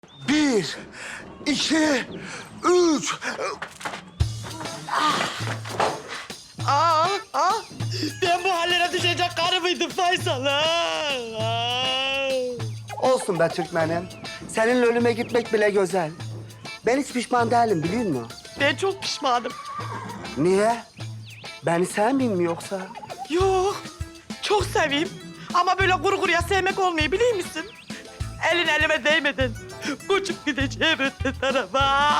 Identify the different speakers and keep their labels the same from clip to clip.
Speaker 1: Bir, iki, üç.
Speaker 2: Ben bu hallere düşecek karı mıydım Faysal?
Speaker 1: Olsun be Türkmenim. Seninle ölüme gitmek bile güzel. Ben hiç pişman değilim biliyor musun?
Speaker 2: Ben çok pişmanım.
Speaker 1: Niye? Beni sevmiyor mi yoksa?
Speaker 2: Yok, çok seveyim. Ama böyle kuru kuruya sevmek olmuyor biliyor musun? Elin elime değmeden uçup gideceğim öte tarafa.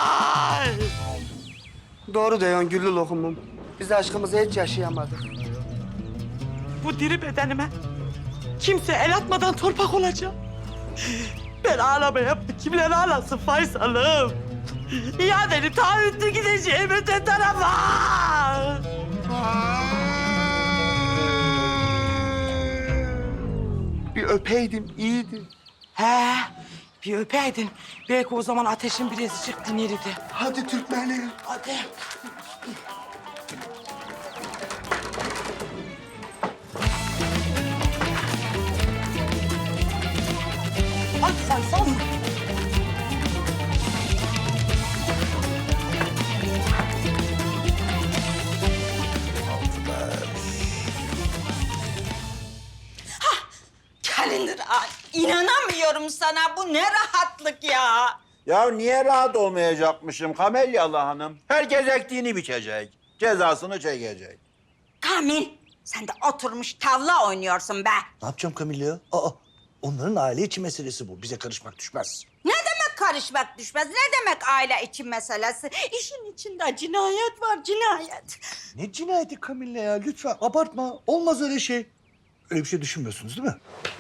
Speaker 1: Doğru diyorsun güllü lokumum. Biz aşkımızı hiç yaşayamadık.
Speaker 2: Bu diri bedenime kimse el atmadan torpak olacağım. Ben ağlamaya kimler ağlasın Faysal'ım? İadeni taahhütlü gideceğim öte tarafa.
Speaker 1: Bir öpeydim iyiydi.
Speaker 2: He, bir öpeydin. Belki o zaman ateşin birazcık dinirdi.
Speaker 1: Hadi Türkmenim.
Speaker 2: Hadi. Hadi Faysal.
Speaker 3: Kalender, inanamıyorum sana. Bu ne rahatlık ya.
Speaker 4: Ya niye rahat olmayacakmışım Kamelyalı Hanım? Herkes ektiğini biçecek. Cezasını çekecek.
Speaker 3: Kamil, sen de oturmuş tavla oynuyorsun be.
Speaker 5: Ne yapacağım Kamil ya? Onların aile içi meselesi bu. Bize karışmak düşmez.
Speaker 3: Ne demek karışmak düşmez? Ne demek aile için meselesi? İşin içinde cinayet var, cinayet.
Speaker 5: Ne cinayeti Kamil'le ya? Lütfen abartma. Olmaz öyle şey. Öyle bir şey düşünmüyorsunuz değil mi?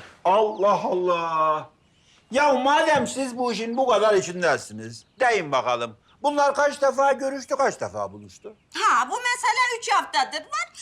Speaker 4: Allah Allah. Ya madem siz bu işin bu kadar içindesiniz, deyin bakalım. Bunlar kaç defa görüştü, kaç defa buluştu?
Speaker 3: Ha, bu mesele 3 haftadır var.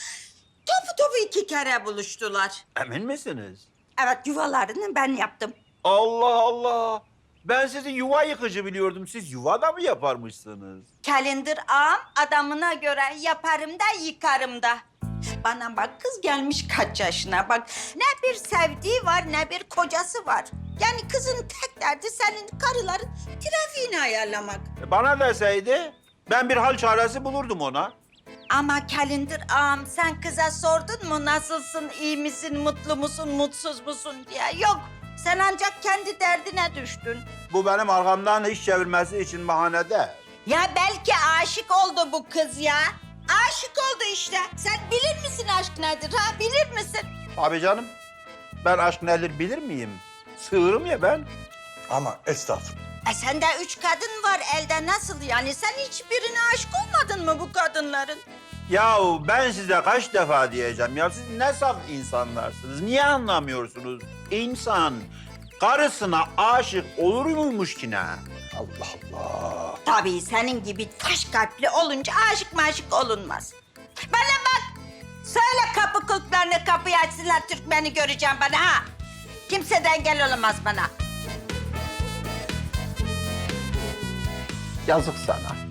Speaker 3: Topu 2 kere buluştular.
Speaker 4: Emin misiniz?
Speaker 3: Evet, yuvalarını ben yaptım.
Speaker 4: Allah Allah. Ben sizi yuva yıkıcı biliyordum. Siz yuva da mı yaparmışsınız?
Speaker 3: Kalender ağam adamına göre yaparım da yıkarım da. Bana bak, kız gelmiş kaç yaşına bak. Ne bir sevdiği var ne bir kocası var. Yani kızın tek derdi senin karıların trafiğini ayarlamak.
Speaker 4: Bana deseydi ben bir hal çaresi bulurdum ona.
Speaker 3: Ama Kalender ağam sen kıza sordun mu nasılsın, iyi misin, mutlu musun, mutsuz musun diye. Yok, sen ancak kendi derdine düştün.
Speaker 4: Bu benim arkamdan iş çevirmesi için bahane değil.
Speaker 3: Ya belki aşık oldu bu kız ya. Aşık oldu işte. Sen bilir misin aşk nedir ha, bilir misin?
Speaker 4: Abi canım, ben aşk nedir bilir miyim? Sığırım ya ben.
Speaker 5: Ama estağfurullah.
Speaker 3: Sende 3 kadın var elde, nasıl yani? Sen hiçbirine aşık olmadın mı bu kadınların?
Speaker 4: Yahu ben size kaç defa diyeceğim ya, siz ne saf insanlarsınız, niye anlamıyorsunuz? İnsan karısına aşık olur muymuş ki ne?
Speaker 5: Allah Allah.
Speaker 3: Tabii senin gibi taş kalpli olunca aşık maşık olunmaz. Bana bak, söyle kapı kulplarını kapıyı açsınlar, Türkmen'i göreceğim bana ha. Kimse de engel olamaz bana.
Speaker 1: Yazık sana.